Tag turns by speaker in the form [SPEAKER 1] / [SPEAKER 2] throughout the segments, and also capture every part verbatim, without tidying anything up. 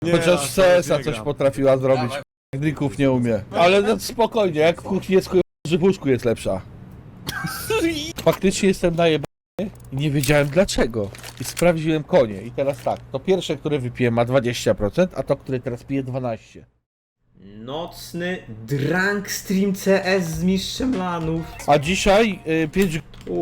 [SPEAKER 1] Nie,
[SPEAKER 2] Chociaż
[SPEAKER 1] aż
[SPEAKER 2] C S a
[SPEAKER 1] nie
[SPEAKER 2] coś
[SPEAKER 1] gram.
[SPEAKER 2] potrafiła zrobić. Drinków nie umie. Ale no spokojnie, jak w kuchni jest kurwa, że w łóżku jest lepsza. Faktycznie jestem najebany i nie wiedziałem dlaczego. I sprawdziłem konie. I teraz tak, to pierwsze, które wypiję ma dwadzieścia procent, a to, które teraz piję dwanaście procent.
[SPEAKER 3] Nocny drunk stream C S z mistrzem lanów.
[SPEAKER 2] A dzisiaj y, pięć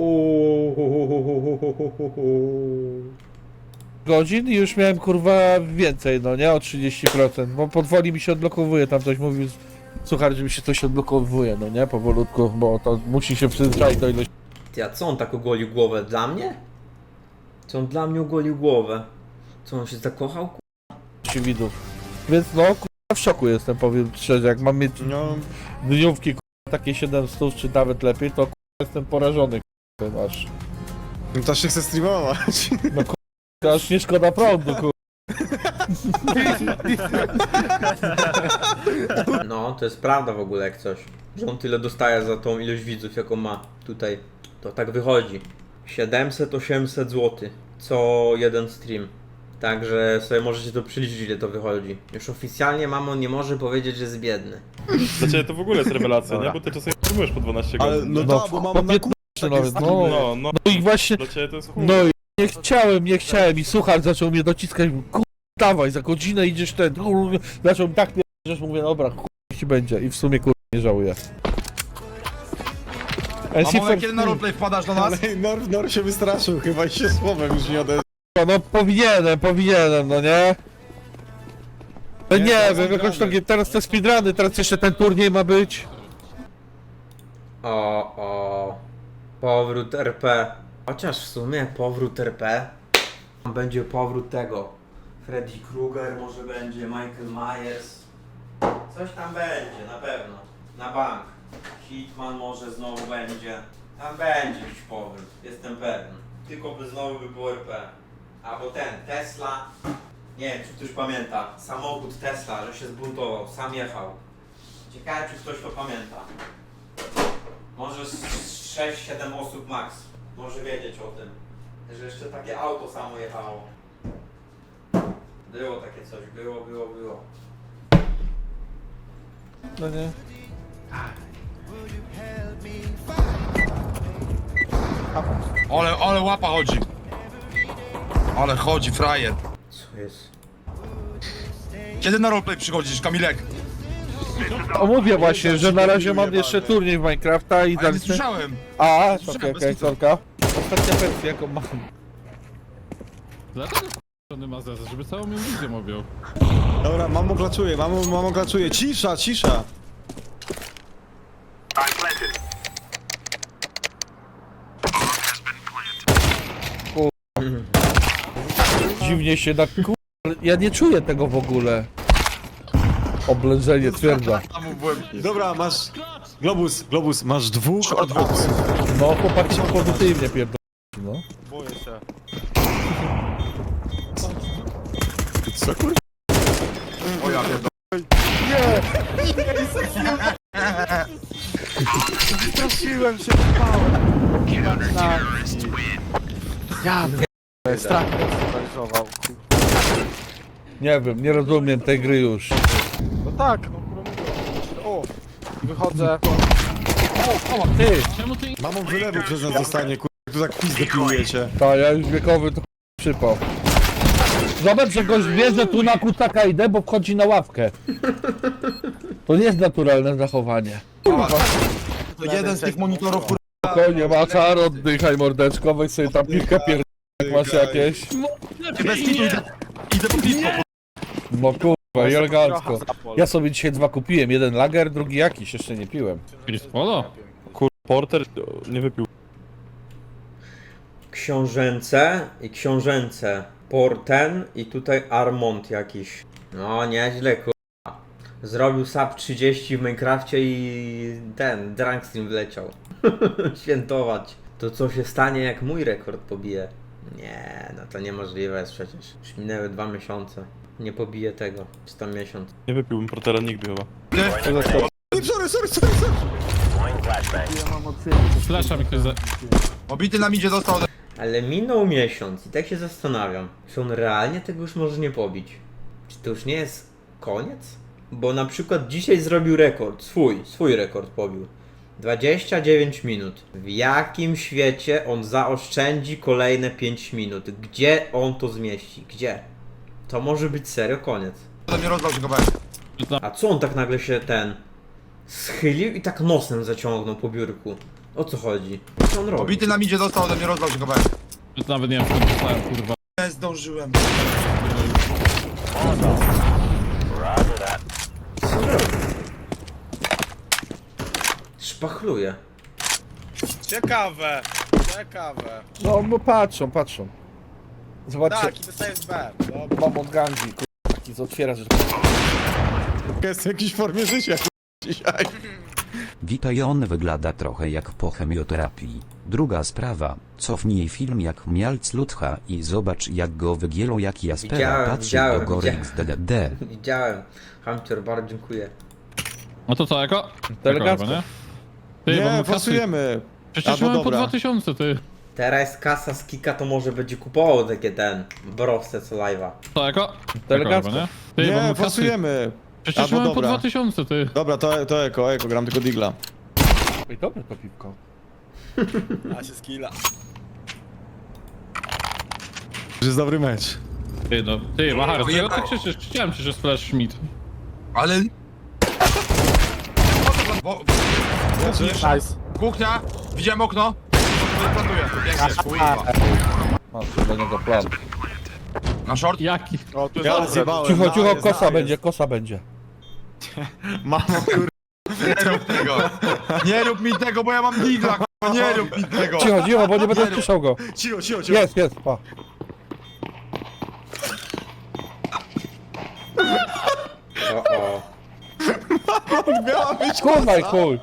[SPEAKER 2] godzin i już miałem kurwa więcej, no nie? O trzydzieści procent, bo powoli mi się odblokowuje, tam ktoś mówił, słuchaj, że mi się coś odblokowuje, no nie? Powolutku, bo to musi się przyzwyczaić do ilości
[SPEAKER 3] Ty, a co on tak ogolił głowę? Dla mnie? Co on dla mnie ogolił głowę? Co on się zakochał?
[SPEAKER 2] widzów. Więc no, kurwa, w szoku jestem, powiem szczerze, jak mam mieć
[SPEAKER 1] No,
[SPEAKER 2] dniówki kurwa, takie siedemset czy nawet lepiej, to kurwa, jestem porażony kurwa, aż.
[SPEAKER 1] no to się chce streamować.
[SPEAKER 2] No kurwa, aż nie szkoda prądu, kurwa.
[SPEAKER 3] No, to jest prawda w ogóle jak coś. Że on tyle dostaje za tą ilość widzów, jaką ma tutaj. To tak wychodzi. siedemset osiemset złotych co jeden stream. Także sobie możecie to przeliczyć, ile to wychodzi. Już oficjalnie mamo nie może powiedzieć, że jest biedny.
[SPEAKER 4] Dla ciebie to w ogóle jest rewelacja, nie? Bo ty czasami streamujesz po dwanaście
[SPEAKER 1] Ale
[SPEAKER 4] godzin.
[SPEAKER 1] no
[SPEAKER 4] nie?
[SPEAKER 1] tak, bo mam na
[SPEAKER 2] piętnaście nawet, no.
[SPEAKER 4] No, no,
[SPEAKER 2] No i właśnie,
[SPEAKER 4] dla ciebie to jest chuj.
[SPEAKER 2] no i nie chciałem, nie chciałem i słuchacz zaczął mnie dociskać, kur... dawaj, za godzinę idziesz ten, kur... zaczął mi tak pierdzieć, mówię, dobra, kur... ci będzie i w sumie kur... nie żałuję.
[SPEAKER 5] A może kiedy na roleplay wpadasz do nas?
[SPEAKER 1] Ale Nor, Nor się wystraszył chyba i się słowem już nie odezwał.
[SPEAKER 2] No powinienem, powinienem, no nie? No
[SPEAKER 1] Nie,
[SPEAKER 2] nie,
[SPEAKER 1] teraz
[SPEAKER 2] wiem, jakoś to,
[SPEAKER 1] speedruny.
[SPEAKER 2] teraz te speedruny, teraz jeszcze ten turniej ma być.
[SPEAKER 3] O, o. Powrót R P. Chociaż w sumie powrót R P. Będzie powrót tego. Freddy Krueger może będzie, Michael Myers. Coś tam będzie, na pewno. Na bank. Hitman może znowu będzie. Tam będzie jakiś powrót, jestem pewien. Tylko by znowu by było R P. Albo ten, Tesla. Nie wiem, czy ktoś pamięta. Samochód Tesla, że się zbuntował, sam jechał. Ciekawe, czy ktoś to pamięta. Może z sześć siedem osób max może wiedzieć o tym, że jeszcze takie auto samo jechało. Było takie coś, było, było, było.
[SPEAKER 2] No nie.
[SPEAKER 5] Ale, ale łapa chodzi. Ale chodzi, frajer.
[SPEAKER 3] Co jest?
[SPEAKER 5] Kiedy na roleplay przychodzisz, Kamilek?
[SPEAKER 2] O, mówię właśnie, że na razie mam jeszcze turniej w Minecrafta i
[SPEAKER 5] A ja nie
[SPEAKER 2] dalej...
[SPEAKER 5] słyszałem.
[SPEAKER 2] A, okej,
[SPEAKER 5] Słyszałem,
[SPEAKER 2] okej,
[SPEAKER 5] bez
[SPEAKER 2] sorka. Ostatnia wersja, jaką mam.
[SPEAKER 6] Dlaczego k***ny ma zeza, żeby całą mi wizję objął?
[SPEAKER 1] Dobra, mamo klaczuje, mamo, mamo klaczuje. Cisza, cisza.
[SPEAKER 2] Dziwnie się na ku... Ja nie czuję tego w ogóle. Oblężenie twierdza.
[SPEAKER 5] Tam byłem.
[SPEAKER 1] Dobra, masz... Globus, Globus, masz dwóch adwoków.
[SPEAKER 2] No chłopaki się pozytywnie pierdolą. No.
[SPEAKER 4] Boję się.
[SPEAKER 1] Co kur...
[SPEAKER 5] O ja pierdolę.
[SPEAKER 4] Straszyłem się, spałem. Ja strach mnie sparaliżował.
[SPEAKER 2] Nie wiem, nie rozumiem tej gry już.
[SPEAKER 4] No tak, no kurwa mówię. O, wychodzę.
[SPEAKER 2] O, ty!
[SPEAKER 6] Czemu ty
[SPEAKER 1] Mamą wylewu przez nas dostanie, kur... Tu tak pizdę piłujecie.
[SPEAKER 2] Ta, ja już wiekowy to przypał. Zobacz, że gość wie, że tu na kutaka idę, bo wchodzi na ławkę. To nie jest naturalne zachowanie.
[SPEAKER 5] To jeden z tych monitorów, kur...
[SPEAKER 2] Spokojnie, Maczar, oddychaj mordeczko, weź sobie tam piwkę pierd... jak masz jakieś.
[SPEAKER 5] Bez kitu idę, idę po piwko.
[SPEAKER 2] No kurwa, i elegancko. Ja sobie dzisiaj dwa kupiłem, jeden lager, drugi jakiś, jeszcze nie piłem.
[SPEAKER 6] Chris Polo?
[SPEAKER 4] Kur... Porter nie wypił.
[SPEAKER 3] Książęce i książęce. Porten i tutaj Armont jakiś. No nieźle kurwa. Zrobił sub trzydzieści w Minecrafcie i ten, drunk stream wleciał. Świętować. To co się stanie jak mój rekord pobije? Nie, no to niemożliwe jest przecież. Już minęły dwa miesiące. Nie pobije tego. Czy tam miesiąc.
[SPEAKER 4] Nie wypiłbym Portera nigdy chyba.
[SPEAKER 1] Nie, sorry, sorry, sorry, sorry.
[SPEAKER 6] Flasha mi ktoś za...
[SPEAKER 5] Obity nam idzie dostał.
[SPEAKER 3] Ale minął miesiąc i tak się zastanawiam, czy on realnie tego już może nie pobić. Czy to już nie jest koniec? Bo na przykład dzisiaj zrobił rekord, swój, swój rekord pobił. dwadzieścia dziewięć minut. W jakim świecie on zaoszczędzi kolejne pięć minut? Gdzie on to zmieści? Gdzie? To może być serio koniec.
[SPEAKER 5] To mnie rozlał się kawałek.
[SPEAKER 3] A co on tak nagle się ten... schylił i tak nosem zaciągnął po biurku? O co chodzi? Co on robi?
[SPEAKER 5] Obity na midzie dostał, ode mnie rozlał się kawałek.
[SPEAKER 6] Nawet nie wiem, skąd dostałem, kurwa.
[SPEAKER 5] Nie zdążyłem.
[SPEAKER 3] Szpachluje.
[SPEAKER 4] Ciekawe, ciekawe.
[SPEAKER 2] No, bo patrzą, patrzą. Zobaczcie,
[SPEAKER 4] Tak, i dostaję z B. Dobra.
[SPEAKER 2] mam od gangi, kurwa, taki co otwiera, że...
[SPEAKER 1] Jest w jakiejś formie życia dzisiaj.
[SPEAKER 7] Witaj, on wygląda trochę jak po chemioterapii. Druga sprawa, cofnij film jak Mialc Lutcha i zobacz jak go wygięło jak Jaspera
[SPEAKER 3] Widziałem,
[SPEAKER 7] patrzy
[SPEAKER 3] widziałem,
[SPEAKER 7] do góry
[SPEAKER 3] widziałem.
[SPEAKER 7] X D D D.
[SPEAKER 3] Widziałem. Hamcior, bardzo dziękuję.
[SPEAKER 6] No to co, jako?
[SPEAKER 2] To elegancko.
[SPEAKER 6] Jako, nie? Ty, bo
[SPEAKER 1] Nie,
[SPEAKER 6] my kasy...
[SPEAKER 1] pasujemy.
[SPEAKER 6] Przecież
[SPEAKER 1] Albo
[SPEAKER 6] mamy po
[SPEAKER 1] dobra.
[SPEAKER 6] dwa tysiące, ty.
[SPEAKER 3] Teraz kasa z Kika to może będzie kupował takie ten... browce co live'a.
[SPEAKER 6] To jako?
[SPEAKER 2] To elegancko.
[SPEAKER 6] Jako, nie? Ty, bo
[SPEAKER 1] Nie,
[SPEAKER 6] my kasy...
[SPEAKER 1] pasujemy.
[SPEAKER 6] Przecież
[SPEAKER 1] Albo
[SPEAKER 6] mamy po
[SPEAKER 1] dobra.
[SPEAKER 6] dwa tysiące, ty.
[SPEAKER 1] Dobra, to, to eko, eko, gram tylko digla.
[SPEAKER 2] Ej, dobre to piwko.
[SPEAKER 4] A się skilla.
[SPEAKER 1] To jest dobry mecz.
[SPEAKER 6] Ty, no, ty, Machar, dlaczego ty krzyczysz? Chciałem ci, że splash Schmidt.
[SPEAKER 5] Ale... Bo...
[SPEAKER 4] Nice.
[SPEAKER 5] Kuchnia, widziałem okno. Plantuję, pięknie, kurwa.
[SPEAKER 2] Mam do niego plan.
[SPEAKER 5] Na short?
[SPEAKER 6] Jaki?
[SPEAKER 4] O, tu jest
[SPEAKER 1] Ja
[SPEAKER 4] dobrze.
[SPEAKER 1] zjebałem.
[SPEAKER 2] Cicho,
[SPEAKER 1] no,
[SPEAKER 2] cicho,
[SPEAKER 1] jest,
[SPEAKER 2] kosa
[SPEAKER 1] jest.
[SPEAKER 2] będzie, kosa będzie.
[SPEAKER 1] Mamo, kur...
[SPEAKER 5] Nie rób tego. Nie rób mi tego, bo ja mam digla, kurwa, nie rób mi tego.
[SPEAKER 2] Cicho, cicho, bo nie będę słyszał go.
[SPEAKER 1] Cicho, cicho, cicho.
[SPEAKER 2] Jest, jest, pa.
[SPEAKER 3] O, o.
[SPEAKER 1] Miała być
[SPEAKER 2] Kurwa i
[SPEAKER 1] kosa.
[SPEAKER 2] chuj.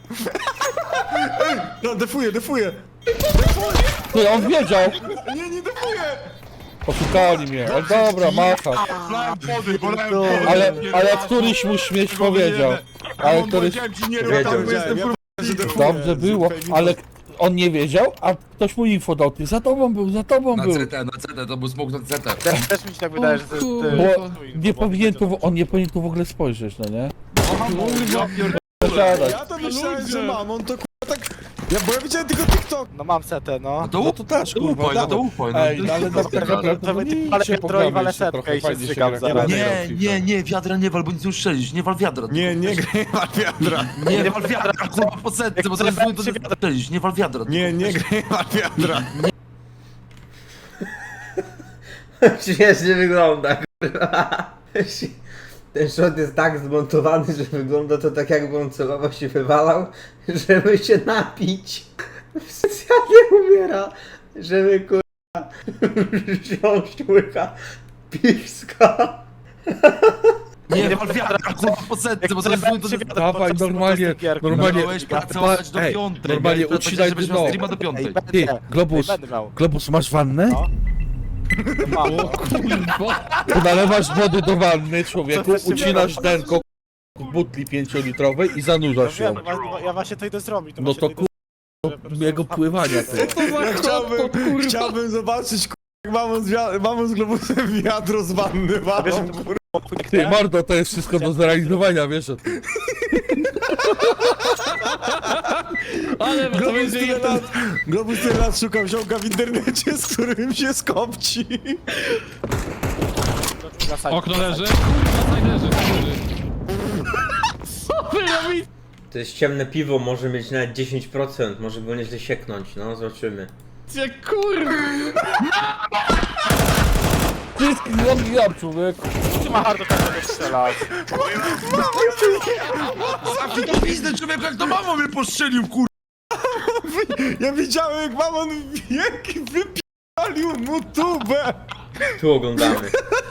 [SPEAKER 1] No, defuję, defuję.
[SPEAKER 2] Ty, on wiedział.
[SPEAKER 1] Nie, nie defuję.
[SPEAKER 2] Poszukali mnie, ale dobra, macha.
[SPEAKER 5] Polałem wody, polałem wody.
[SPEAKER 2] Ale, ale któryś mu śmieć powiedział. Ale
[SPEAKER 5] on
[SPEAKER 2] któryś...
[SPEAKER 5] powiedziałem ci nie rób
[SPEAKER 3] Wiedział,
[SPEAKER 5] tak, bo jestem
[SPEAKER 1] wiedziałem,
[SPEAKER 5] kurwa.
[SPEAKER 1] że defuję.
[SPEAKER 2] Dobrze było, ale on nie wiedział, a ktoś mu info dał. Ty, za tobą był, za tobą
[SPEAKER 8] Na
[SPEAKER 2] był.
[SPEAKER 8] C T, na C T, to był smok na C T.
[SPEAKER 4] Też, też mi się tak wydaje, że to jest... ty-
[SPEAKER 2] Bo
[SPEAKER 4] tu info,
[SPEAKER 2] nie
[SPEAKER 4] bo
[SPEAKER 2] powinien
[SPEAKER 4] będzie-
[SPEAKER 2] tu, on nie powinien tu w ogóle spojrzeć, no nie?
[SPEAKER 5] Ja pierdolę.
[SPEAKER 2] Zasiadać.
[SPEAKER 1] Ja to myślałem, że mam, on to kurwa tak... Ja, bo ja widziałem tylko TikTok.
[SPEAKER 4] No mam setę, no.
[SPEAKER 8] No to,
[SPEAKER 2] No to też,
[SPEAKER 8] to
[SPEAKER 2] kurwa,
[SPEAKER 8] upoj, no to
[SPEAKER 2] dawaj.
[SPEAKER 8] upoj. No.
[SPEAKER 2] Ej, no ale na tak naprawdę
[SPEAKER 4] to
[SPEAKER 2] to
[SPEAKER 4] będzie
[SPEAKER 2] nie
[SPEAKER 4] palę
[SPEAKER 2] się
[SPEAKER 4] piętro i walę
[SPEAKER 2] pogramy,
[SPEAKER 4] setkę
[SPEAKER 2] trochę
[SPEAKER 4] i się
[SPEAKER 2] fajnie się
[SPEAKER 4] zrzygam
[SPEAKER 2] gra.
[SPEAKER 4] zaraz.
[SPEAKER 8] Nie, nie, nie, wiadra nie wal, bo nic nie uszczelisz, nie wal wiadra.
[SPEAKER 1] Nie, nie graj na wiadra.
[SPEAKER 8] Nie, nie wal wiadra, kurwa po setce, bo zaraz to nie uszczelisz, nie wal wiadra.
[SPEAKER 1] Nie, nie graj na wiadra.
[SPEAKER 3] Śmiesznie wygląda, kurwa. Ten shot jest tak zmontowany, że wygląda to tak jakby on celowo się wywalał, żeby się napić. Specjalnie umiera, żeby kurwa wziąć łyka piwska.
[SPEAKER 8] Nie wal wiadra, kurwa po setce, bo zaraz to nie
[SPEAKER 2] Dawaj, normalnie, normalnie,
[SPEAKER 8] Miałeś pracować do
[SPEAKER 2] ej,
[SPEAKER 8] piątej.
[SPEAKER 2] normalnie
[SPEAKER 8] miałeś
[SPEAKER 2] ucinaj
[SPEAKER 8] żebyś
[SPEAKER 2] dno.
[SPEAKER 8] miał streama do
[SPEAKER 4] Ej,
[SPEAKER 8] piątej.
[SPEAKER 4] będę,
[SPEAKER 2] Ty, Globus,
[SPEAKER 4] Ej, będę miał.
[SPEAKER 2] Globus, masz wannę?
[SPEAKER 4] No. No mam.
[SPEAKER 2] Tu nalewasz wody do wanny, człowieku,
[SPEAKER 4] Co chcesz
[SPEAKER 2] ucinasz
[SPEAKER 4] zrobić?
[SPEAKER 2] denko w butli pięciolitrowej i
[SPEAKER 4] No
[SPEAKER 2] zanurzasz ją.
[SPEAKER 4] wiem, wa- ja właśnie to idę zrobić.
[SPEAKER 2] No
[SPEAKER 4] właśnie
[SPEAKER 2] to
[SPEAKER 4] idę
[SPEAKER 2] kur...
[SPEAKER 4] zrobić, po prostu-
[SPEAKER 2] jego pływania, ty.
[SPEAKER 1] Ja chciałbym, chciałbym zobaczyć kurwa, jak mamą z, wia- mamą z globusem wiadro z wanny
[SPEAKER 4] Wiesz,
[SPEAKER 1] walą, kurwa.
[SPEAKER 2] Ty, mordo, to jest wszystko do zrealizowania, wiesz o tym.
[SPEAKER 6] Ale bo to
[SPEAKER 1] Globus
[SPEAKER 6] będzie
[SPEAKER 1] tyle
[SPEAKER 6] jeden...
[SPEAKER 1] lat, Globus tyle lat szukał ziomka w internecie, z którym się skopci.
[SPEAKER 4] Na side,
[SPEAKER 6] Okno
[SPEAKER 4] na
[SPEAKER 6] leży?
[SPEAKER 4] side.
[SPEAKER 6] Kurwa, side leży, side leży. Co wy robicie?
[SPEAKER 3] To jest ciemne piwo, może mieć nawet dziesięć procent, może go nieźle sieknąć, no zobaczymy.
[SPEAKER 6] Kurwa!
[SPEAKER 2] Wszystkich zabijam, człowieku.
[SPEAKER 4] Ty ma hard do tego strzelać.
[SPEAKER 8] Zamknij to pizdę, człowieku, jak to mamą mnie postrzelił, kurwa.
[SPEAKER 1] Ja widziałem jak mamon wielki wypialił mu tubę.
[SPEAKER 3] Tu oglądamy.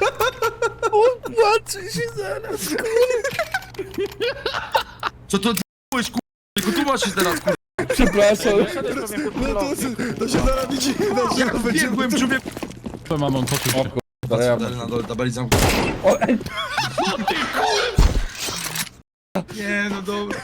[SPEAKER 2] Patrzy się zaraz.
[SPEAKER 8] Co to ty***łeś, kurwa, tylko tu masz się teraz, kurwa.
[SPEAKER 2] Przepraszam.
[SPEAKER 1] No to, to się zaraz widzi, to się
[SPEAKER 8] Jak
[SPEAKER 1] będzie...
[SPEAKER 8] biegłem, człowieku.
[SPEAKER 6] To mamon, poczuć się.
[SPEAKER 2] Ja...
[SPEAKER 8] Dalej na dole, tabeli zamknij.
[SPEAKER 2] O, ej,
[SPEAKER 8] Nie, no dobra.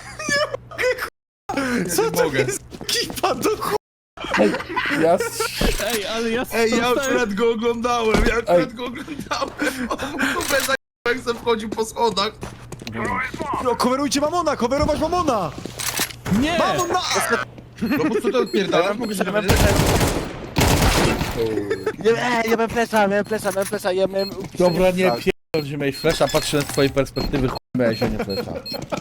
[SPEAKER 1] Co
[SPEAKER 8] nie
[SPEAKER 1] to
[SPEAKER 8] mogę.
[SPEAKER 1] jest kipa do ch...
[SPEAKER 2] ej, ja...
[SPEAKER 6] Ej, ale ja
[SPEAKER 8] Ej, ja
[SPEAKER 6] dostałem-
[SPEAKER 8] akurat go oglądałem, ja
[SPEAKER 2] Ej.
[SPEAKER 8] akurat go oglądałem. O,
[SPEAKER 5] Jak se wchodził po schodach.
[SPEAKER 1] No, coverujcie Mamona, coverować Mamona!
[SPEAKER 8] Nie!
[SPEAKER 1] Mamon na...
[SPEAKER 5] No po co to odpierdalasz? Mogę się dowiedzieć?
[SPEAKER 4] Ja, ja miałem flesza, miałem flesza, miałem flesza, ja miałem...
[SPEAKER 2] Dobra, nie pierdol, że miałeś flesza, patrzę z twojej perspektywy, chuj miałeś, a nie flesza.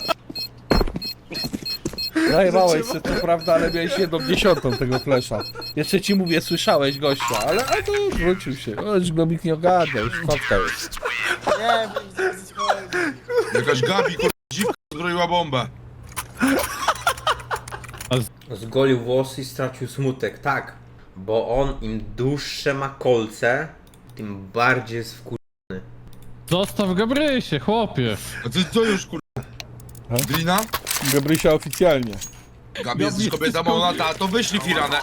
[SPEAKER 2] Zajebałeś się, co prawda, ale miałeś jedną dziesiątą tego flesza. Jeszcze ci mówię, słyszałeś gościa, ale a to wrócił się. O, już Globik nie ogarnia, już fatka jest.
[SPEAKER 4] Nie, bo...
[SPEAKER 5] Jakaś Gabi, kurwa, dziwka zbroiła bombę.
[SPEAKER 3] Zgolił włosy i stracił smutek, tak. Bo on im dłuższe ma kolce, tym bardziej jest wkur...
[SPEAKER 6] Zostaw Gabrysie, chłopie.
[SPEAKER 5] A ty co już, kurwa? Drina?
[SPEAKER 2] Gabrysia oficjalnie.
[SPEAKER 5] Gabi, jesteś kobieta Monata, to wyślij Firanę.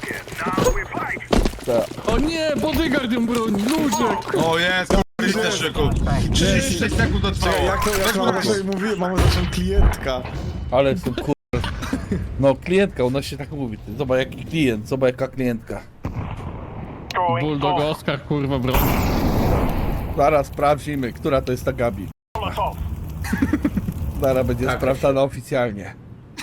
[SPEAKER 6] O nie, bodyguard ją broni, ludzie.
[SPEAKER 5] O jest, kurwa, też szyku. trzydzieści sześć sekund to trwało.
[SPEAKER 1] Jak to, jak
[SPEAKER 5] Weź
[SPEAKER 1] to
[SPEAKER 5] mu
[SPEAKER 1] mam
[SPEAKER 5] na
[SPEAKER 1] sobie mówiłem, mamy naszą klientka.
[SPEAKER 2] Ale jestem kur... No, klientka, u nas się tak mówi. Ty. Zobacz jaki klient, zobacz jaka klientka.
[SPEAKER 6] Bulldog Oscar, kurwa, broni.
[SPEAKER 2] Zaraz sprawdzimy, która to jest ta Gabi. Zaraz będzie
[SPEAKER 3] Tak,
[SPEAKER 2] sprawdzana oficjalnie.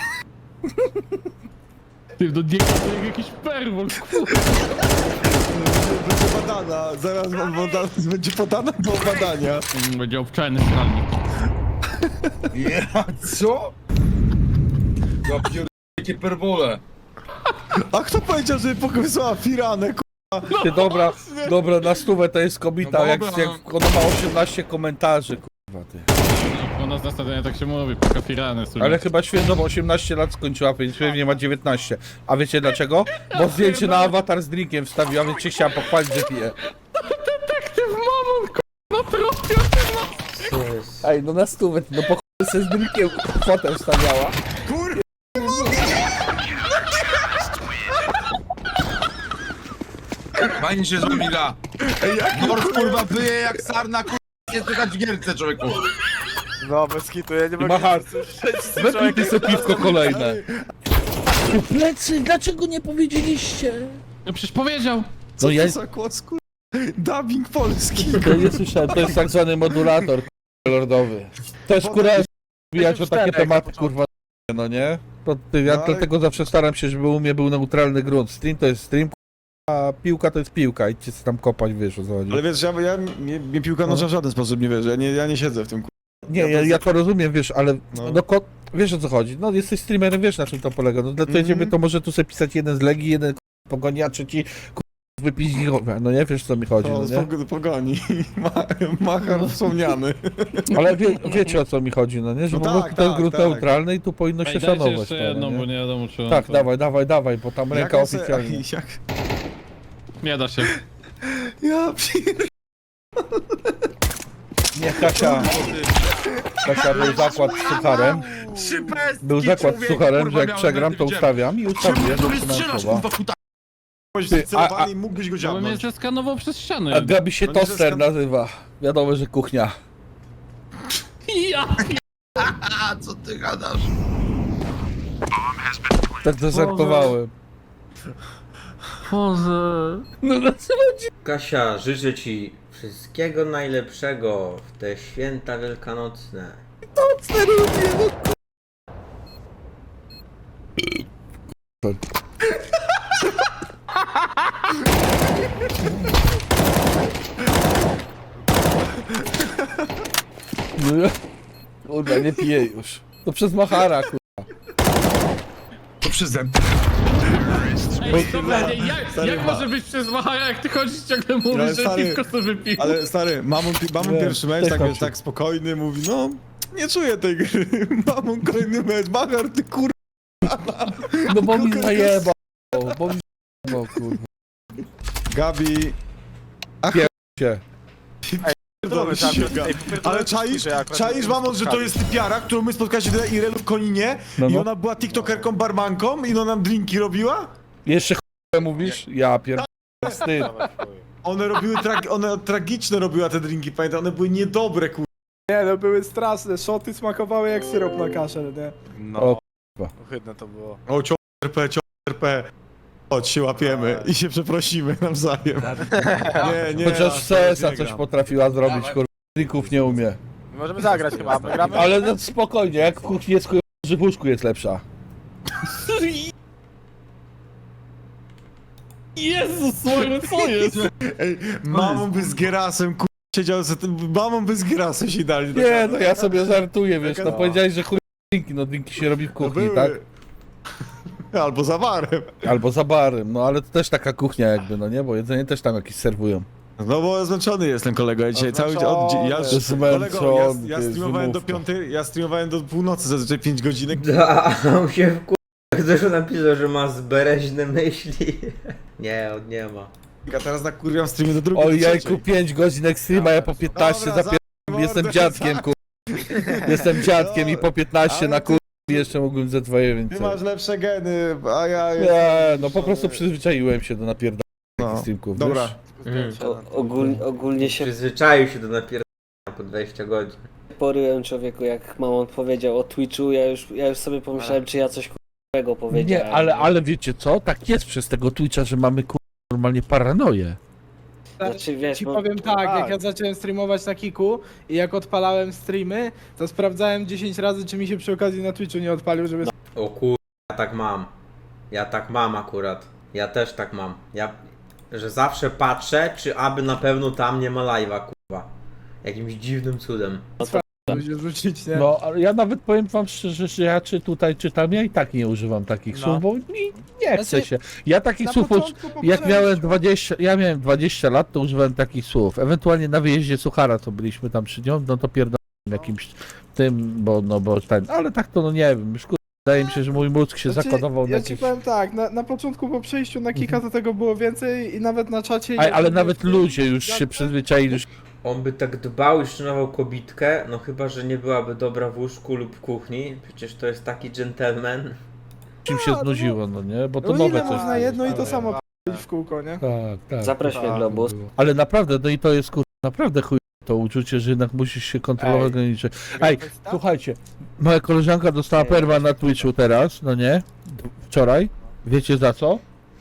[SPEAKER 6] Ty, do niego to jak jakiś perwol, kurwa.
[SPEAKER 1] Będzie badana, zaraz wam badana, będzie podana do badania.
[SPEAKER 6] Mm, Będzie obczajny stralnik.
[SPEAKER 5] Ja, co? Ja pierdolę, jakie perwole.
[SPEAKER 1] A kto powiedział, że wysłała Firanę, ku...
[SPEAKER 2] Ty, dobra, dobra, na stówę to jest kobieta,
[SPEAKER 5] No
[SPEAKER 2] jak,
[SPEAKER 5] dobra,
[SPEAKER 2] jak ona ma osiemnaście komentarzy, kurwa ty.
[SPEAKER 6] U nas na stadionie tak się mówi, poka firany sobie.
[SPEAKER 2] Ale chyba świeżo osiemnaście lat skończyła, więc pewnie ma dziewiętnaście. A wiecie dlaczego? Bo zdjęcie na awatar z drinkiem wstawiła, więc się chciała pochwalić, że pije.
[SPEAKER 6] Detektyw Mamon, kurwa, tropie, ty
[SPEAKER 3] Co jest?
[SPEAKER 2] Ej, no na stówę, no po chuj sobie z drinkiem fotę wstawiała.
[SPEAKER 5] Fajnie się z wami gra. Norf, kurwa, wyje jak sarna, kurwa, nie słychać w gierce, człowieku.
[SPEAKER 4] No, bez kitu, ja nie mogę...
[SPEAKER 2] Machar, wypij ty sobie piwko kolejne. Ty plecy, dlaczego nie powiedzieliście?
[SPEAKER 6] No przecież powiedział.
[SPEAKER 1] Co
[SPEAKER 2] No ja-
[SPEAKER 1] to za kłos, ku... Dubbing polski.
[SPEAKER 2] To nie słyszałem, to jest tak zwany modulator kurwa, lordowy. Też kurwa wbijać o takie tematy kurwa, no nie? To ty, ja
[SPEAKER 1] No, ale-
[SPEAKER 2] dlatego zawsze staram się, żeby u mnie był neutralny grunt. Stream to jest stream, a piłka to jest piłka. Idźcie sobie tam kopać, wiesz o co chodzi.
[SPEAKER 1] Ale wiesz, ja, ja mnie, mnie piłka nożna w żaden sposób nie wierzy, ja nie, ja nie siedzę w tym, ku...
[SPEAKER 2] Nie, ja, ja to rozumiem, wiesz, ale
[SPEAKER 1] No.
[SPEAKER 2] no, ko- wiesz o co chodzi. No jesteś streamerem, wiesz na czym to polega. No dla
[SPEAKER 1] Mhm.
[SPEAKER 2] ciebie to może tu sobie pisać jeden z Legii, jeden k***a, pogoni, a trzeci k***a, wypić gigowe. No nie wiesz co mi chodzi,
[SPEAKER 1] O,
[SPEAKER 2] no
[SPEAKER 1] z
[SPEAKER 2] nie?
[SPEAKER 1] pog- pogoni. Ma, Machar wspomniany.
[SPEAKER 2] Ale wie, wiecie o co mi chodzi, no nie? Że
[SPEAKER 1] No
[SPEAKER 2] po
[SPEAKER 1] tak,
[SPEAKER 2] prostu to jest
[SPEAKER 1] tak,
[SPEAKER 2] grunt
[SPEAKER 1] tak.
[SPEAKER 2] neutralny i tu powinno się
[SPEAKER 6] Ej, dajcie
[SPEAKER 2] szanować.
[SPEAKER 6] jeszcze
[SPEAKER 2] to,
[SPEAKER 6] jedną,
[SPEAKER 2] no,
[SPEAKER 6] bo
[SPEAKER 2] nie?
[SPEAKER 6] nie wiadomo czy...
[SPEAKER 2] Tak,
[SPEAKER 6] to-
[SPEAKER 2] dawaj, dawaj, dawaj, bo tam ręka
[SPEAKER 1] Jak on se-
[SPEAKER 2] oficjalnie.
[SPEAKER 1] Jak...
[SPEAKER 6] Nie da się.
[SPEAKER 1] Ja pier...
[SPEAKER 2] Nie, Kasia, Kasia, był zakład z sucharem.
[SPEAKER 5] Szypestki,
[SPEAKER 2] Był zakład z
[SPEAKER 5] człowieku,
[SPEAKER 2] sucharem,
[SPEAKER 5] kurwa,
[SPEAKER 2] że jak
[SPEAKER 5] miałem,
[SPEAKER 2] przegram, to
[SPEAKER 5] widziałem.
[SPEAKER 2] ustawiam i ustawię,
[SPEAKER 5] Czemu
[SPEAKER 2] że
[SPEAKER 5] ty strzelasz,
[SPEAKER 2] słowa.
[SPEAKER 5] kurwa, kuta?
[SPEAKER 2] Ty, a- a-
[SPEAKER 1] Celowany i mógłbyś go
[SPEAKER 6] Ja bym mnie
[SPEAKER 1] dziabnąć.
[SPEAKER 6] zeskanował przez ścianę.
[SPEAKER 2] A Gabi się
[SPEAKER 1] No nie
[SPEAKER 2] toster
[SPEAKER 1] zeskan-
[SPEAKER 2] nazywa. Wiadomo, że kuchnia.
[SPEAKER 6] Ja!
[SPEAKER 5] A, co ty gadasz?
[SPEAKER 2] Tak to żartowałem.
[SPEAKER 6] Boże.
[SPEAKER 2] No dlaczego ci...
[SPEAKER 3] Kasia, życzę ci wszystkiego najlepszego w te święta wielkanocne.
[SPEAKER 2] No ja... Kurwa, nie piję już. To przez Machara, kurwa.
[SPEAKER 5] To przeze mnie.
[SPEAKER 6] Ej, dobra, nie, jak,
[SPEAKER 1] Stary,
[SPEAKER 6] jak
[SPEAKER 1] ma-
[SPEAKER 6] może być przez Machara, jak ty chodzisz ciągle
[SPEAKER 1] Ale
[SPEAKER 6] mówisz, że
[SPEAKER 1] stary,
[SPEAKER 6] piwko sobie wypił?
[SPEAKER 1] Ale stary, mamon, mamon
[SPEAKER 2] Nie,
[SPEAKER 1] pierwszy mecz,
[SPEAKER 2] też
[SPEAKER 1] tak,
[SPEAKER 2] tam
[SPEAKER 1] wiesz,
[SPEAKER 2] się-
[SPEAKER 1] tak spokojny, mówi, no, nie czuję tej gry. Mamon, kolejny mecz, Machar, ty kur...
[SPEAKER 2] No bo mi zajebał. Bo mi zajebał, kurwa.
[SPEAKER 1] Gabi...
[SPEAKER 2] Się.
[SPEAKER 1] Pierdolę się, Gabi. Ale czaisz, czaisz mamon, że to jest typiara, którą my spotkaliśmy na Irelu w Koninie
[SPEAKER 2] No,
[SPEAKER 1] i
[SPEAKER 2] no.
[SPEAKER 1] ona była tiktokerką, barmanką i ona nam drinki robiła?
[SPEAKER 2] Jeszcze ch***e mówisz? Ja pierdolę. Wstyd.
[SPEAKER 1] One robiły, trag... one tragiczne robiła te drinki, pamiętam, one były niedobre, kur...
[SPEAKER 4] Nie, no były straszne, szoty smakowały jak syrop na kaszel, nie?
[SPEAKER 2] No. O,
[SPEAKER 4] Ohydne to było.
[SPEAKER 1] O, cio R P, cio R P. Chodź, się łapiemy i się przeprosimy nawzajem. Nie, nie.
[SPEAKER 2] chociaż
[SPEAKER 1] aż
[SPEAKER 2] C S a
[SPEAKER 1] nie
[SPEAKER 2] coś
[SPEAKER 1] gram.
[SPEAKER 2] potrafiła zrobić, kurwa. Trików nie umie.
[SPEAKER 4] Możemy zagrać chyba, my gramy?
[SPEAKER 2] Ale no spokojnie, jak w kuchni jest chuj, że w łóżku jest lepsza.
[SPEAKER 6] Jezus, Mario, co jest?
[SPEAKER 1] Ej, mamą by z Gerasem, ku... siedział za tym, mamą by z Gerasem się dali.
[SPEAKER 2] Nie, no ja sobie żartuję, wiesz, no
[SPEAKER 1] no.
[SPEAKER 2] powiedziałeś, że chuj drinki, no drinki się robi w
[SPEAKER 1] No
[SPEAKER 2] kuchni,
[SPEAKER 1] były.
[SPEAKER 2] tak?
[SPEAKER 1] Albo za barem.
[SPEAKER 2] Albo za barem, no ale to też taka kuchnia jakby, no nie, bo jedzenie też tam jakieś serwują.
[SPEAKER 1] No bo zmęczony jestem, kolego, ja dzisiaj cały dzień, od,
[SPEAKER 4] Zmęczony.
[SPEAKER 1] ja,
[SPEAKER 2] Zmęczony,
[SPEAKER 1] kolego, ja, ja
[SPEAKER 2] ty,
[SPEAKER 1] streamowałem do
[SPEAKER 2] wymówka.
[SPEAKER 1] piątej, ja streamowałem do północy, zazwyczaj pięć godzinek.
[SPEAKER 3] Da, a on się w Ktoś napisał, że ma zbereźne myśli. Nie, on nie ma.
[SPEAKER 1] A teraz nakurwiam streamy do drugiej,
[SPEAKER 2] O
[SPEAKER 1] do
[SPEAKER 2] jajku,
[SPEAKER 1] trzeciej.
[SPEAKER 2] pięć godzin ekstrema, ja po piętnaście
[SPEAKER 1] Dobra,
[SPEAKER 2] zapier...
[SPEAKER 1] zamknij
[SPEAKER 2] Jestem
[SPEAKER 1] mordę,
[SPEAKER 2] dziadkiem, kur... Jestem dziadkiem i po piętnaście
[SPEAKER 1] Ale
[SPEAKER 2] na
[SPEAKER 1] ty-
[SPEAKER 2] kur... jeszcze mógłbym ze dwoje
[SPEAKER 1] Ty
[SPEAKER 2] więcej.
[SPEAKER 1] masz lepsze geny, a ja...
[SPEAKER 2] Nie, no po prostu przyzwyczaiłem się do napierdania
[SPEAKER 1] No.
[SPEAKER 2] streamków,
[SPEAKER 1] Dobra.
[SPEAKER 2] wiesz?
[SPEAKER 3] Mm.
[SPEAKER 9] O, ogólnie, ogólnie się
[SPEAKER 3] Przyzwyczaił się do napierdania po dwadzieścia godzin.
[SPEAKER 9] poryłem, człowieku, jak mamon powiedział o Twitchu, ja już, ja już sobie pomyślałem, czy ja coś k***ego powiedziałem.
[SPEAKER 2] Nie, ale, ale wiecie co? Tak jest przez tego Twitcha, że mamy kur... normalnie paranoję.
[SPEAKER 9] Znaczy, wiesz,
[SPEAKER 4] Ci
[SPEAKER 9] bo...
[SPEAKER 4] powiem tak, jak ja zacząłem streamować na Kiku i jak odpalałem streamy, to sprawdzałem dziesięć razy, czy mi się przy okazji na Twitchu nie odpalił, żeby...
[SPEAKER 3] O kur... ja tak mam. Ja tak mam akurat. Ja też tak mam. Ja... Że zawsze patrzę, czy aby na pewno tam nie ma live'a, kurwa. Jakimś dziwnym cudem.
[SPEAKER 4] się rzucić, nie?
[SPEAKER 2] No, ale ja nawet powiem wam szczerze, że ja czy tutaj czytam, ja i tak nie używam takich
[SPEAKER 4] No.
[SPEAKER 2] słów, bo mi nie chce
[SPEAKER 4] Znaczy,
[SPEAKER 2] się. Ja takich
[SPEAKER 4] na
[SPEAKER 2] słów, uż-
[SPEAKER 4] początku po
[SPEAKER 2] jak miałem
[SPEAKER 4] przejściu-
[SPEAKER 2] dwadzieścia, ja miałem dwadzieścia lat, to używałem takich słów. Ewentualnie na wyjeździe Suchara, co byliśmy tam przy nią, no to pierdolę jakimś tym, bo no bo ten, ale tak to no nie wiem, już kur... wydaje mi się, że mój mózg się
[SPEAKER 4] Znaczy,
[SPEAKER 2] zakodował na
[SPEAKER 4] ja
[SPEAKER 2] jakieś...
[SPEAKER 4] ci powiem tak, na, na początku po przejściu na Kika to tego było więcej i nawet na czacie...
[SPEAKER 2] Aj,
[SPEAKER 4] jak
[SPEAKER 2] ale
[SPEAKER 4] sobie
[SPEAKER 2] nawet
[SPEAKER 4] w tym
[SPEAKER 2] ludzie już się
[SPEAKER 4] gadce-
[SPEAKER 2] przyzwyczaili, już
[SPEAKER 3] On by tak dbał i szanował kobitkę, no chyba, że nie byłaby dobra w łóżku lub w kuchni. Przecież to jest taki gentleman.
[SPEAKER 2] im się znudziło, no nie, bo to
[SPEAKER 4] No
[SPEAKER 2] nowe
[SPEAKER 4] ile
[SPEAKER 2] coś.
[SPEAKER 4] można jedno i to
[SPEAKER 2] było.
[SPEAKER 4] samo p***ć w kółko, nie?
[SPEAKER 2] Tak, tak.
[SPEAKER 9] Zaproś mnie, Globus.
[SPEAKER 2] Ale naprawdę, no i to jest kur... naprawdę chuj to uczucie, że jednak musisz się kontrolować
[SPEAKER 4] Ej.
[SPEAKER 2] granicze. Ej, słuchajcie, moja koleżanka dostała perma na Twitchu teraz, no nie? Wczoraj. Wiecie za co?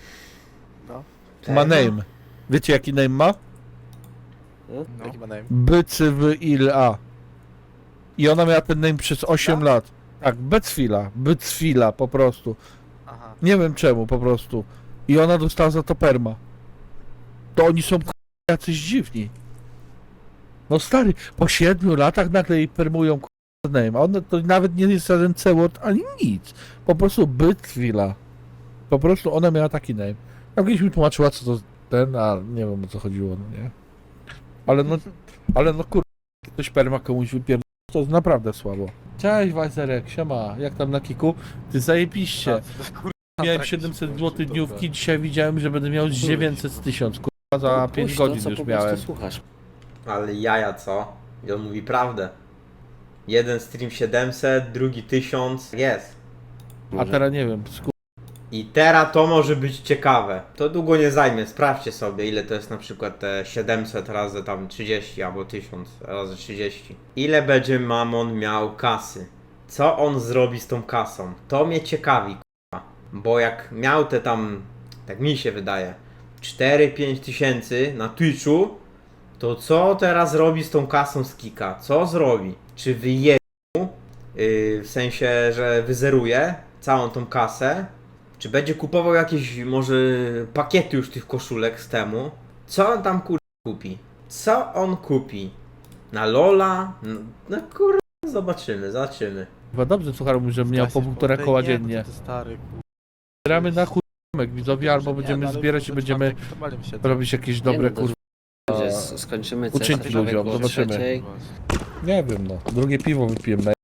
[SPEAKER 2] Ma name. Wiecie jaki name ma?
[SPEAKER 4] No. Jaki ma name?
[SPEAKER 2] Bycywila. I ona miała ten name przez osiem lat. Tak, Becfila. Bycfila po prostu.
[SPEAKER 4] Aha.
[SPEAKER 2] Nie wiem czemu po prostu. I ona dostała za to perma. To oni są k***a, jacyś dziwni. No stary, po siedmiu latach nagle jej permują k***a name, a ona to nawet nie jest żaden C-word ani nic. Po prostu Bytwila. Po prostu ona miała taki name. Ja kiedyś mi tłumaczyła co to ten, a nie wiem o co chodziło, no nie. Ale no, ale no kur... ktoś perma komuś wypierdolił, to jest naprawdę słabo. Cześć Wajzerek, siema, jak tam na kiku? Ty zajebiście. Miałem siedemset złotych dniówki, dzisiaj widziałem, że będę miał dziewięćset z tysiąc, kurwa, za pięć
[SPEAKER 9] Puść to,
[SPEAKER 2] godzin
[SPEAKER 9] co
[SPEAKER 2] już
[SPEAKER 9] po prostu
[SPEAKER 2] miałem.
[SPEAKER 9] słuchasz.
[SPEAKER 3] Ale jaja co? I on mówi prawdę. Jeden stream siedemset, drugi tysiąc. Jest.
[SPEAKER 2] A teraz nie wiem, sku...
[SPEAKER 3] I teraz to może być ciekawe. To długo nie zajmie, sprawdźcie sobie ile to jest na przykład te siedemset razy tam trzydzieści albo tysiąc razy trzydzieści. Ile będzie Mamon miał kasy? Co on zrobi z tą kasą? To mnie ciekawi, k***a. Bo jak miał te tam, tak mi się wydaje, cztery pięć tysięcy na Twitchu, to co teraz robi z tą kasą z Kika? Co zrobi? Czy wyje mu, yy, w sensie, że wyzeruje całą tą kasę? Czy będzie kupował jakieś może pakiety już tych koszulek z temu? Co on tam kur... kupi? Co on kupi? Na Lola? No, no kur... zobaczymy, zobaczymy.
[SPEAKER 2] Chyba dobrze, słuchaj, mówi, że miał po półtora koła dziennie.
[SPEAKER 4] Stary,
[SPEAKER 2] Zbieramy na chujomek widzowie, albo będziemy zbierać i będziemy robić jakieś dobre
[SPEAKER 9] no to
[SPEAKER 2] kurwa.
[SPEAKER 9] Że s- skończymy
[SPEAKER 2] Uczynki
[SPEAKER 9] sesję,
[SPEAKER 2] ludziom,
[SPEAKER 9] człowieku, o
[SPEAKER 2] zobaczymy.
[SPEAKER 9] trzeciej.
[SPEAKER 2] Nie wiem no, drugie piwo wypiłem na...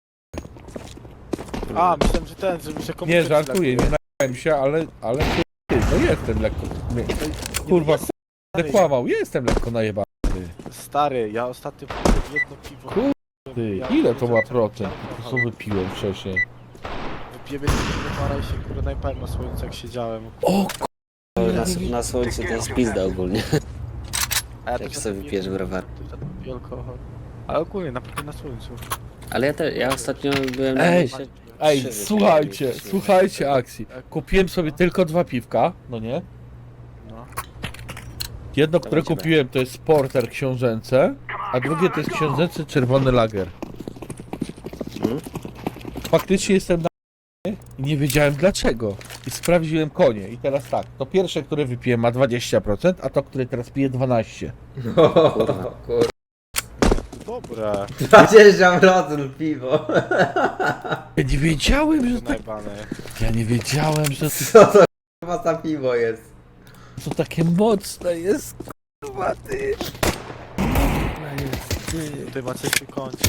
[SPEAKER 4] A, myślałem, że ten, żeby się komuś...
[SPEAKER 2] Nie, żartuję, nie najałem się, ale, ale ty, no jestem lekko, nie, kurwa, będę kłamał, jestem lekko najebany.
[SPEAKER 4] Stary, ja ostatnio wypiłem jedno piwo.
[SPEAKER 2] Kur- Ty, ile to ma procent? Po co wypiłem wcześniej?
[SPEAKER 4] Wypiłem jedno piwo, para i się kurde najpałem na słońcu jak siedziałem.
[SPEAKER 2] O
[SPEAKER 9] Na, s- na słońcu to jest pizda ogólnie.
[SPEAKER 4] A ja
[SPEAKER 9] Jak
[SPEAKER 4] to
[SPEAKER 9] sobie
[SPEAKER 4] czasem
[SPEAKER 9] wypijesz
[SPEAKER 4] nie-
[SPEAKER 9] browar.
[SPEAKER 4] to wtedy piję alkohol. Ale ogólnie, naprawdę na słońcu.
[SPEAKER 9] Ale ja, te, ja ostatnio byłem
[SPEAKER 2] Ej,
[SPEAKER 9] na mieście-
[SPEAKER 2] Ej,
[SPEAKER 9] trzy
[SPEAKER 2] słuchajcie,
[SPEAKER 9] wypiłem.
[SPEAKER 2] słuchajcie akcji. Kupiłem sobie tylko dwa piwka, no nie?
[SPEAKER 4] No.
[SPEAKER 2] Jedno,
[SPEAKER 9] To
[SPEAKER 2] które
[SPEAKER 9] będziemy.
[SPEAKER 2] kupiłem, to jest Porter książęce, A drugie to jest książęcy czerwony lager. Faktycznie jestem na i nie wiedziałem dlaczego. I sprawdziłem konie. I teraz tak, to pierwsze, które wypiłem ma dwadzieścia procent, a to, które teraz piję dwanaście procent.
[SPEAKER 3] O, kur...
[SPEAKER 1] Dobre.
[SPEAKER 3] dwadzieścia procent piwo.
[SPEAKER 2] Ja nie wiedziałem, że tak...
[SPEAKER 1] Najbane.
[SPEAKER 2] Ja nie wiedziałem, że to,
[SPEAKER 3] Co to chyba za piwo jest?
[SPEAKER 2] to takie mocne jest. Kurwa, ty. Kurwa, jest, ty.
[SPEAKER 1] Tutaj macie się kończy.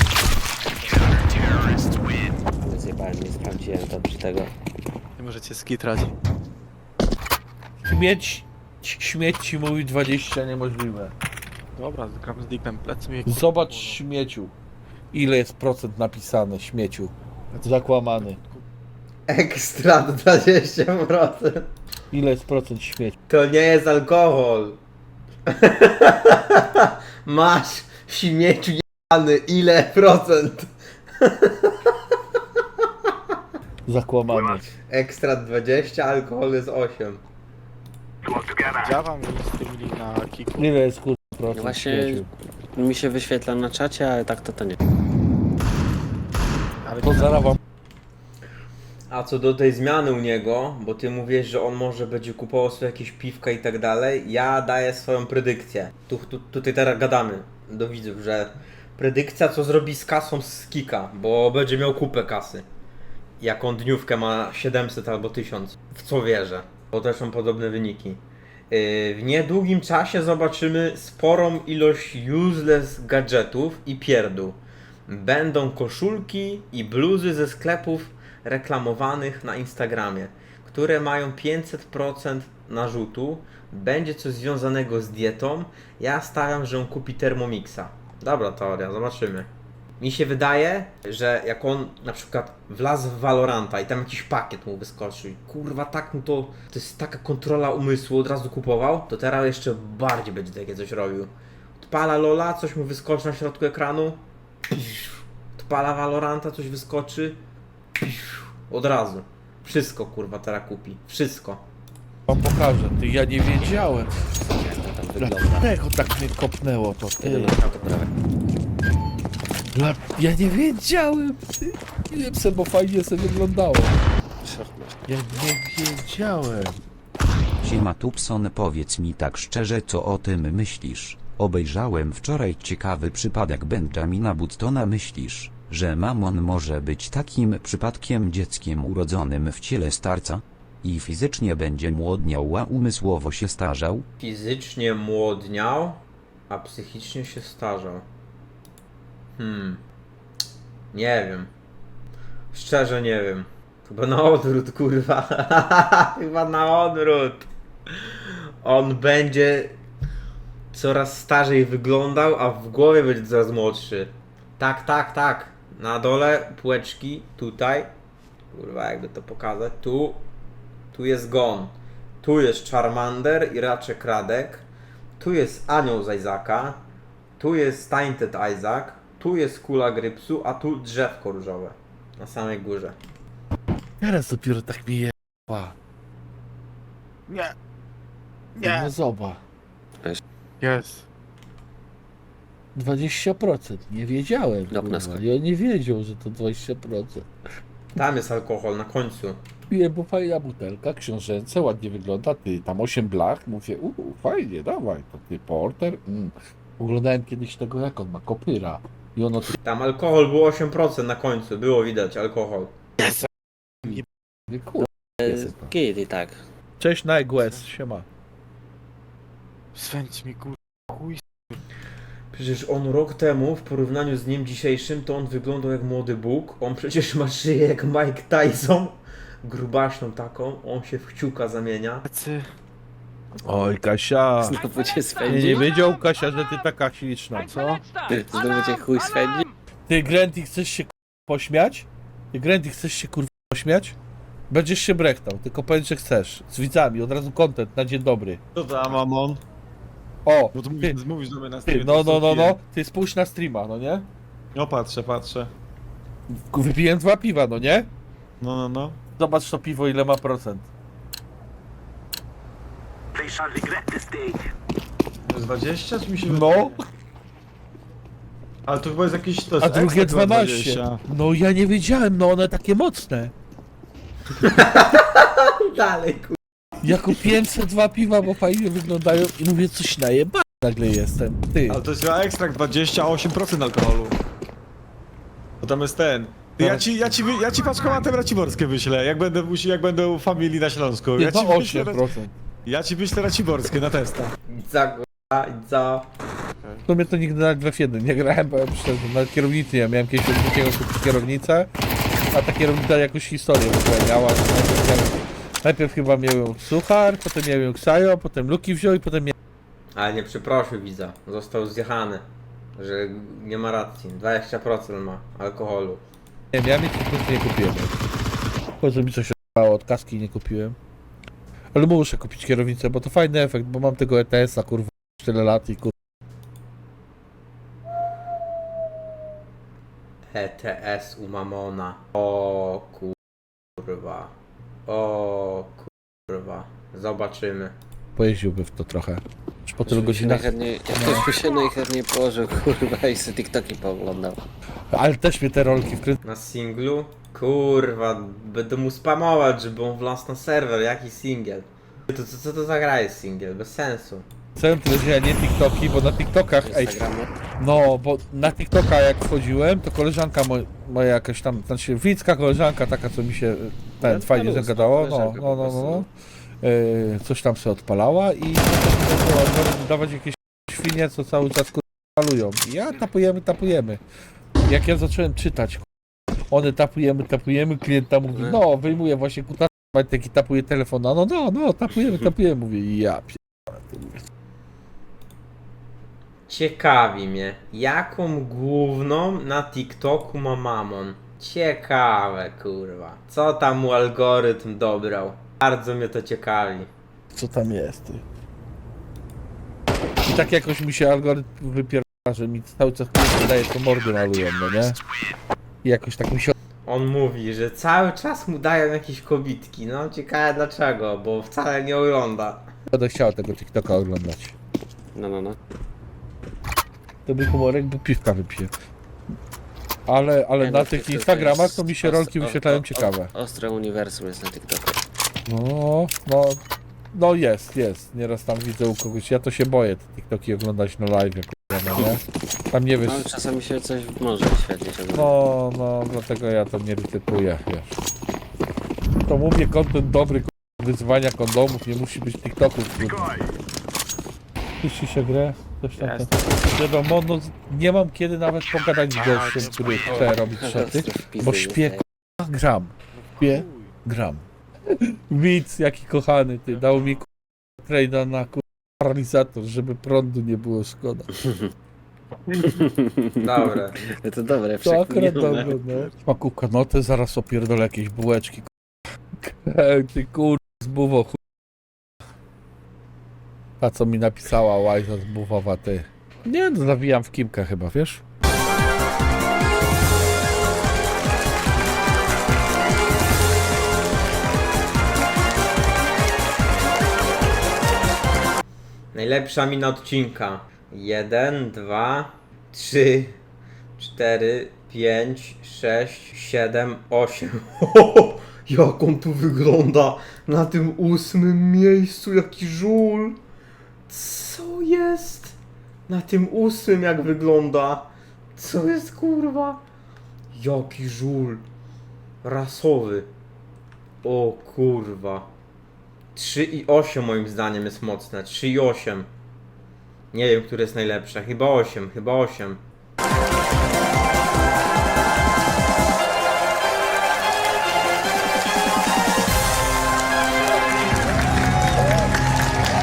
[SPEAKER 9] Ale zjebałem, nie sprawdziłem dobrze tego.
[SPEAKER 1] Nie możecie skitrać.
[SPEAKER 2] Śmieć, śmieć ci mówi dwadzieścia niemożliwe.
[SPEAKER 1] Dobra, gram z Dicknem, plecy mi...
[SPEAKER 2] Zobacz śmieciu. Ile jest procent napisane śmieciu. Zakłamany.
[SPEAKER 3] Ekstra dwadzieścia procent.
[SPEAKER 2] Ile jest procent śmieciu?
[SPEAKER 3] To nie jest alkohol. Masz śmieciu jebany, ile procent?
[SPEAKER 2] Zakłamany.
[SPEAKER 3] Ekstra dwadzieścia, alkohol jest osiem.
[SPEAKER 1] Działam i streamili na kiku.
[SPEAKER 2] Ile jest kurwa procent
[SPEAKER 9] Właśnie
[SPEAKER 2] śmieciu?
[SPEAKER 9] mi się wyświetla na czacie, ale tak to to nie.
[SPEAKER 1] Ale
[SPEAKER 2] To zaraz wam
[SPEAKER 3] A co do tej zmiany u niego, bo ty mówisz, że on może będzie kupował sobie jakieś piwka i tak dalej, ja daję swoją predykcję. Tu, tu, tutaj teraz gadamy do widzów, że predykcja co zrobi z kasą z Kika, bo będzie miał kupę kasy. Jaką dniówkę ma siedemset albo tysiąc, w co wierzę, bo też są podobne wyniki. Yy, w niedługim czasie zobaczymy sporą ilość useless gadżetów i pierdół. Będą koszulki i bluzy ze sklepów reklamowanych na Instagramie, które mają pięćset procent narzutu. Będzie coś związanego z dietą. Ja stawiam, że on kupi Thermomixa. Dobra teoria, zobaczymy. Mi się wydaje, że jak on na przykład wlazł w Valoranta i tam jakiś pakiet mu wyskoczył, kurwa tak mu to, to jest taka kontrola umysłu, od razu kupował, to teraz jeszcze bardziej będzie takie coś robił. Odpala Lola, coś mu wyskoczy na środku ekranu, odpala Valoranta, coś wyskoczy, od razu. Wszystko kurwa teraz kupi, wszystko.
[SPEAKER 2] wam pokażę. Ty, ja nie wiedziałem.
[SPEAKER 9] Jak to tam wygląda.
[SPEAKER 2] Dlaczego tak mnie kopnęło to? Ty.
[SPEAKER 9] Jedyne to prawie.
[SPEAKER 2] Dla... Ja nie wiedziałem. Ty. Nie wiem se, bo fajnie sobie wyglądało. Ja nie wiedziałem.
[SPEAKER 7] Siema Tupson, powiedz mi tak szczerze, co o tym myślisz? Obejrzałem wczoraj ciekawy przypadek Benjamina Buttona. Myślisz, że Mamon może być takim przypadkiem dzieckiem urodzonym w ciele starca? I fizycznie będzie młodniał, a umysłowo się starzał?
[SPEAKER 3] Fizycznie młodniał, a psychicznie się starzał. Hmm. Nie wiem. Szczerze nie wiem. Chyba na odwrót, kurwa. Chyba na odwrót. On będzie coraz starzej wyglądał, a w głowie będzie coraz młodszy. Tak, tak, tak. Na dole półeczki, tutaj. Kurwa, jakby to pokazać. Tu. Tu jest Gon. Tu jest Charmander i Raczek Radek. Tu jest Anioł z Isaaca. Tu jest Tainted Isaac. Tu jest Kula Grypsu, a tu drzewko różowe. Na samej górze.
[SPEAKER 2] Teraz dopiero tak mi je... Pa.
[SPEAKER 1] Nie.
[SPEAKER 2] No zobacz.
[SPEAKER 1] Jest.
[SPEAKER 2] dwadzieścia procent. Nie wiedziałem.
[SPEAKER 9] Dobra,
[SPEAKER 2] Kurwa. Ja nie wiedział, że to dwadzieścia procent.
[SPEAKER 3] Tam jest alkohol na końcu.
[SPEAKER 2] Piję, bo fajna butelka, książęce, ładnie wygląda. Ty, tam osiem blach. Mówię, uuu, fajnie, dawaj. To ty porter. Mm. Oglądałem kiedyś tego, jak on ma, kopyra. I ono tu...
[SPEAKER 3] Tam alkohol było osiem procent na końcu. Było widać alkohol.
[SPEAKER 2] Kurwa.
[SPEAKER 9] Git i tak.
[SPEAKER 2] Cześć, Nightwest, siema.
[SPEAKER 1] Swędź mi kur... chuj.
[SPEAKER 3] Przecież on rok temu, w porównaniu z dniem dzisiejszym, to on wyglądał jak młody Bóg. On przecież ma szyję jak Mike Tyson. Grubaśną taką. On się w kciuka zamienia.
[SPEAKER 1] Plecy.
[SPEAKER 2] Oj, Kasia.
[SPEAKER 9] Znowu cię
[SPEAKER 2] Nie,
[SPEAKER 9] swędzi.
[SPEAKER 2] nie wiedział, Kasia, że ty taka śliczna, co?
[SPEAKER 9] Znowu cię chuj swędzi.
[SPEAKER 2] Ty, Granty, chcesz się kurwa, pośmiać? Ty, Granty, chcesz się kurwa pośmiać? Będziesz się brechtał, tylko powiedz, że chcesz. Z widzami, od razu content na dzień dobry.
[SPEAKER 1] Co za mamon?
[SPEAKER 2] O,
[SPEAKER 1] Bo tu
[SPEAKER 2] ty,
[SPEAKER 1] mówisz, mówisz do mnie na
[SPEAKER 2] ty,
[SPEAKER 1] streamie.
[SPEAKER 2] no,
[SPEAKER 1] to
[SPEAKER 2] no, no,
[SPEAKER 1] piję.
[SPEAKER 2] no. Ty spójrz na streama, no nie?
[SPEAKER 1] No patrzę, patrzę.
[SPEAKER 2] Wypiłem dwa piwa, no nie?
[SPEAKER 1] No, no, no.
[SPEAKER 2] Zobacz to piwo, ile ma procent.
[SPEAKER 1] To jest dwadzieścia, czy mi się
[SPEAKER 2] No.
[SPEAKER 1] Ale to chyba jest jakiś... To
[SPEAKER 2] A
[SPEAKER 1] jest
[SPEAKER 2] drugie
[SPEAKER 1] ekstra
[SPEAKER 2] dwanaście.
[SPEAKER 1] dwadzieścia.
[SPEAKER 2] No ja nie wiedziałem, no one takie mocne.
[SPEAKER 3] Dalej, kur...
[SPEAKER 2] Ja kupiłem se dwa piwa, bo fajnie wyglądają i mówię, coś najeba nagle jestem. Ty.
[SPEAKER 1] Ale to jest chyba ekstrakt dwadzieścia osiem procent alkoholu. Bo tam jest ten. Ty, Ja ci, ja ci, wy- ja ci paczkomatem raciborskie wyślę, jak będę, musi- jak będę u familii na Śląsku.
[SPEAKER 2] Nie,
[SPEAKER 1] Ja ci,
[SPEAKER 2] to
[SPEAKER 1] wyślę,
[SPEAKER 2] osiem procent.
[SPEAKER 1] ja ci wyślę raciborskie na testa.
[SPEAKER 3] Za kurwa, za...
[SPEAKER 2] W sumie to nigdy nawet w F jeden nie grałem, bo ja myślałem, że na kierownicy nie miałem kiedyś od drugiego kupić kierownicę, a ta kierownica jakąś historię w ogóle miała. że Najpierw, miałem, najpierw chyba miałem suchar, potem miałem Ksajo, potem Luki wziął i potem miałem...
[SPEAKER 3] Ale nie przeprosił widza, został zjechany. Że nie ma racji, dwadzieścia procent ma alkoholu.
[SPEAKER 2] Nie, miałem i po prostu nie kupiłem. Po co mi coś odpało od kaski i nie kupiłem. Ale muszę kupić kierownicę, bo to fajny efekt, bo mam tego E T S-a kurwa tyle lat i kurwa.
[SPEAKER 3] E T S u Mamona. O kurwa. O kurwa. Zobaczymy.
[SPEAKER 2] Pojeździłby w to trochę. Już po tylu
[SPEAKER 9] Już by się
[SPEAKER 2] godzinach.
[SPEAKER 9] najchętniej, już by się najchętniej położył, kurwa, i sobie TikToki pooglądał.
[SPEAKER 2] Ale też mnie te rolki wkręcają.
[SPEAKER 3] Na singlu? Kurwa, będę mu spamować, żeby on wlazł na serwer. Jaki singiel? To co, co to za gra jest singiel? Bez sensu.
[SPEAKER 2] Tyle, że ja nie TikToki, bo na TikTokach, ej,
[SPEAKER 9] Instagramu.
[SPEAKER 2] no, bo na TikToka jak wchodziłem, to koleżanka mo moja jakaś tam, znaczy widzka koleżanka taka, co mi się ten
[SPEAKER 9] No,
[SPEAKER 2] fajnie
[SPEAKER 9] ludzka
[SPEAKER 2] zagadało, no,
[SPEAKER 9] koleżanka
[SPEAKER 2] no,
[SPEAKER 9] po
[SPEAKER 2] no,
[SPEAKER 9] prostu,
[SPEAKER 2] no,
[SPEAKER 9] no.
[SPEAKER 2] Yy, coś tam sobie odpalała i zaczęła dawać jakieś świnie, co cały czas palują. I ja tapujemy, tapujemy. Jak ja zacząłem czytać, one tapujemy, tapujemy, klient tam mówi, no, wyjmuje właśnie kuta, taki tapuje telefon, no, no, no, tapujemy, tapujemy, mówię, ja
[SPEAKER 3] Ciekawi mnie, jaką główną na TikToku ma Mamon. Ciekawe, kurwa. Co tam mu algorytm dobrał? Bardzo mnie to ciekawi.
[SPEAKER 2] co tam jest, ty. I tak jakoś mi się algorytm wypiera, że mi cały czas daje, to mordy malują, no nie? I jakoś tak mi się
[SPEAKER 3] On mówi, że cały czas mu dają jakieś kobitki. No ciekawe dlaczego, bo wcale nie ogląda.
[SPEAKER 2] będę chciał tego TikToka oglądać.
[SPEAKER 9] No, no, no.
[SPEAKER 2] To był humorek, bo piwka wypiję. Ale, ale
[SPEAKER 9] Nie,
[SPEAKER 2] na
[SPEAKER 9] no,
[SPEAKER 2] tych
[SPEAKER 9] TikTok
[SPEAKER 2] Instagramach
[SPEAKER 9] jest
[SPEAKER 2] to mi się
[SPEAKER 9] os-
[SPEAKER 2] rolki
[SPEAKER 9] o-
[SPEAKER 2] wyświetlają
[SPEAKER 9] o-
[SPEAKER 2] ciekawe.
[SPEAKER 9] o- Ostre uniwersum jest na TikToku.
[SPEAKER 2] No, no, no jest, jest. Nieraz tam widzę u kogoś. Ja to się boję te TikToki oglądać na live, kurwa, no nie? Tam nie wiesz.
[SPEAKER 9] No, czasami się coś może wyświetlić. ogólnie.
[SPEAKER 2] No, no, dlatego ja to nie rytykuję, wiesz. To mówię, content dobry, kurwa, wyzwania kondomów, nie musi być TikToków. Puści się grę? Coś tam. Wiadomo, no nie mam kiedy nawet pogadać z gościem, który chce robić szoty,
[SPEAKER 9] Ostre wpisy
[SPEAKER 2] bo śpię,
[SPEAKER 9] dostaję.
[SPEAKER 2] kurwa, gram. Śpię, gram. Widz, jaki kochany, ty, dał mi kurwa, trade'a na kurwa, paralizator, żeby prądu nie było szkoda.
[SPEAKER 3] Dobre.
[SPEAKER 9] To dobre,
[SPEAKER 2] To akurat
[SPEAKER 9] przekminione.
[SPEAKER 2] dobre, no. Makówka, no to zaraz opierdolę jakieś bułeczki. Kurwa. Ty kur... z buwo, chuj. A co mi napisała Łajza z buwowa, ty. Nie, no zawijam w kimkę chyba, wiesz?
[SPEAKER 3] Najlepsza mina odcinka. Jeden, dwa, trzy, cztery, pięć, sześć, siedem, osiem. Jak on tu wygląda na tym ósmym miejscu, jaki żul. Co jest? Na tym ósmym jak wygląda. Co jest kurwa? Jaki żul. Rasowy. O kurwa. trzy i osiem moim zdaniem jest mocne. trzy i osiem. Nie wiem, które jest najlepsze. Chyba osiem, chyba osiem.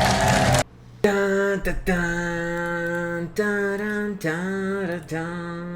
[SPEAKER 3] Dun, dun, dun, dun, dun, dun, dun.